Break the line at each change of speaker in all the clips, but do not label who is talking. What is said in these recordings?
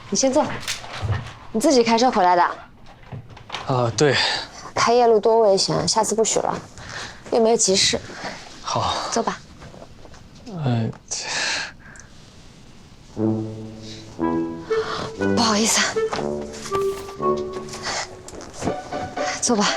你先坐。你自己开车回来的？
对。
开夜路多危险，下次不许了。又没有急事。
好，
坐吧。不好意思，坐吧。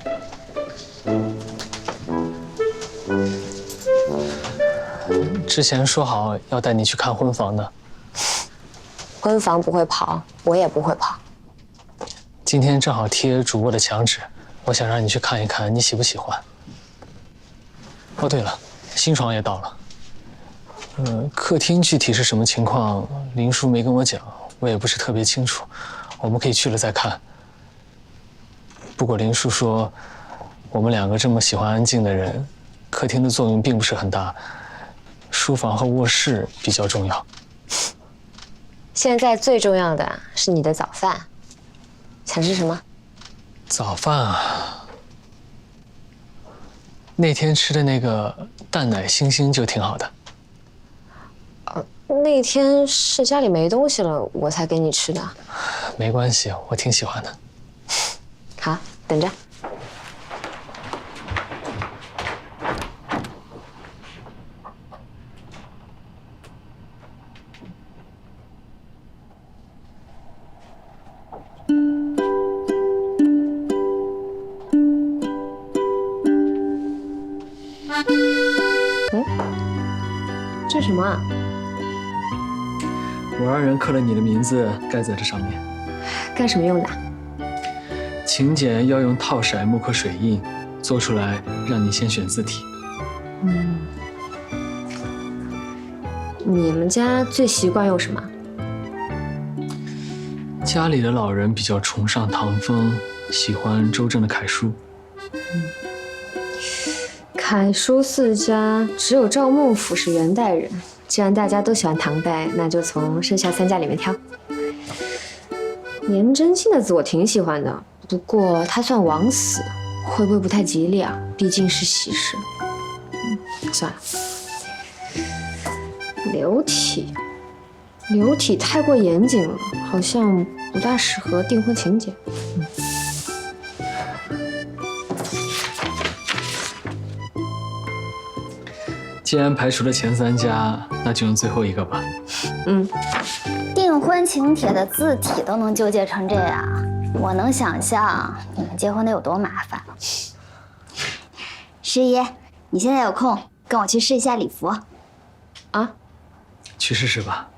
之前说好要带你去看婚房的。
婚房不会跑，我也不会跑。
今天正好贴主卧的墙纸，我想让你去看一看，你喜不喜欢？哦，对了，新床也到了。客厅具体是什么情况，林叔没跟我讲，我也不是特别清楚。我们可以去了再看。不过林叔说，我们两个这么喜欢安静的人，客厅的作用并不是很大，书房和卧室比较重要。
现在最重要的是你的早饭，想吃什么？
早饭啊，那天吃的那个蛋奶星星就挺好的。
那天是家里没东西了，我才给你吃的。
没关系，我挺喜欢的。
好，等着。这是什么啊？
我让人刻了你的名字盖在这上面。
干什么用的？
请柬要用套色木刻水印做出来，让你先选字体。
你们家最习惯用什么？
家里的老人比较崇尚唐风，喜欢周正的楷书。
楷书四家只有赵孟俯是元代人，既然大家都喜欢唐代，那就从剩下3家里面挑。颜真卿的字我挺喜欢的，不过他算枉死，会不会不太吉利啊？毕竟是喜事。算了。流体太过严谨了，好像不大适合订婚情节。
既然排除了前3家，那就用最后一个吧。
订婚请帖的字体都能纠结成这样，我能想象你们结婚得有多麻烦。师爷，你现在有空跟我去试一下礼服。
啊？
去试试吧。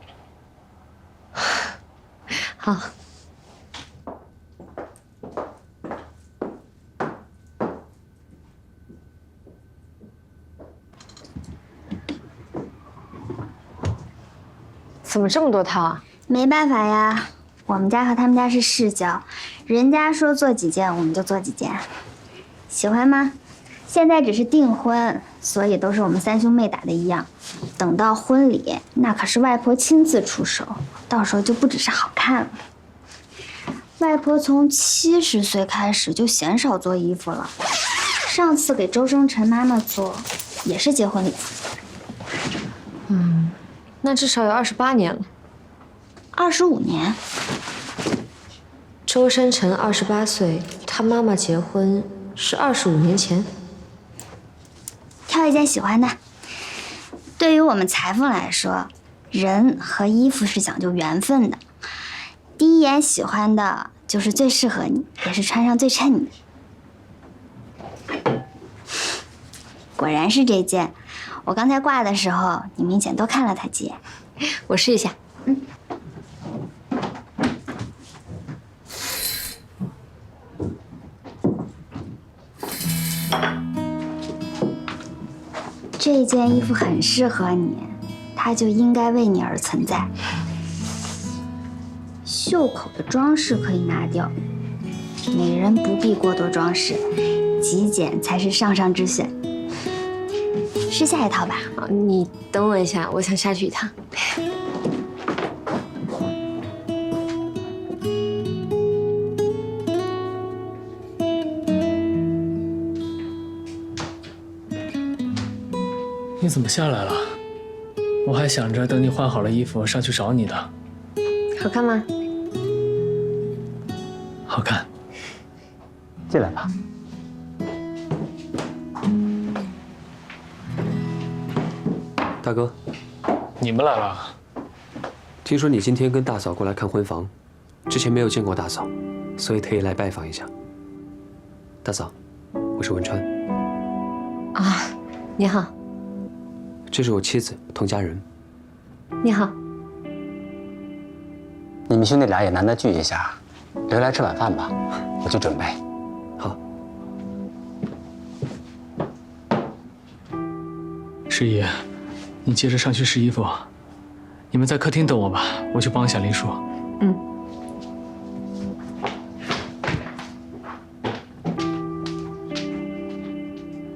好。怎么这么多套啊？
没办法呀，我们家和他们家是世交，人家说做几件我们就做几件。喜欢吗？现在只是订婚，所以都是我们3兄妹打的一样。等到婚礼，那可是外婆亲自出手，到时候就不只是好看了。外婆从70岁开始就鲜少做衣服了，上次给周生辰妈妈做也是结婚礼服。
那至少有28年了。
25年。
周生辰28岁，他妈妈结婚是25年前。
挑一件喜欢的。对于我们裁缝来说，人和衣服是讲究缘分的。第一眼喜欢的就是最适合你，也是穿上最衬你的。果然是这件，我刚才挂的时候，你明显多看了它几眼。
我试一下。
这件衣服很适合你，它就应该为你而存在。袖口的装饰可以拿掉，美人不必过多装饰，极简才是上上之选。试下一套吧。
你等我一下，我想下去一趟。
你怎么下来了？我还想着等你换好了衣服上去找你的。
好看吗？
好看。
进来吧。
大哥，
你们来了？
听说你今天跟大嫂过来看婚房，之前没有见过大嫂，所以特意来拜访一下。大嫂，我是文川。
啊，你好，
这是我妻子童佳人。
你好。
你们兄弟俩也难得聚一下，留来吃晚饭吧，我去准备。
好。
师爷，你接着上去试衣服，你们在客厅等我吧，我去帮一下林叔。
嗯。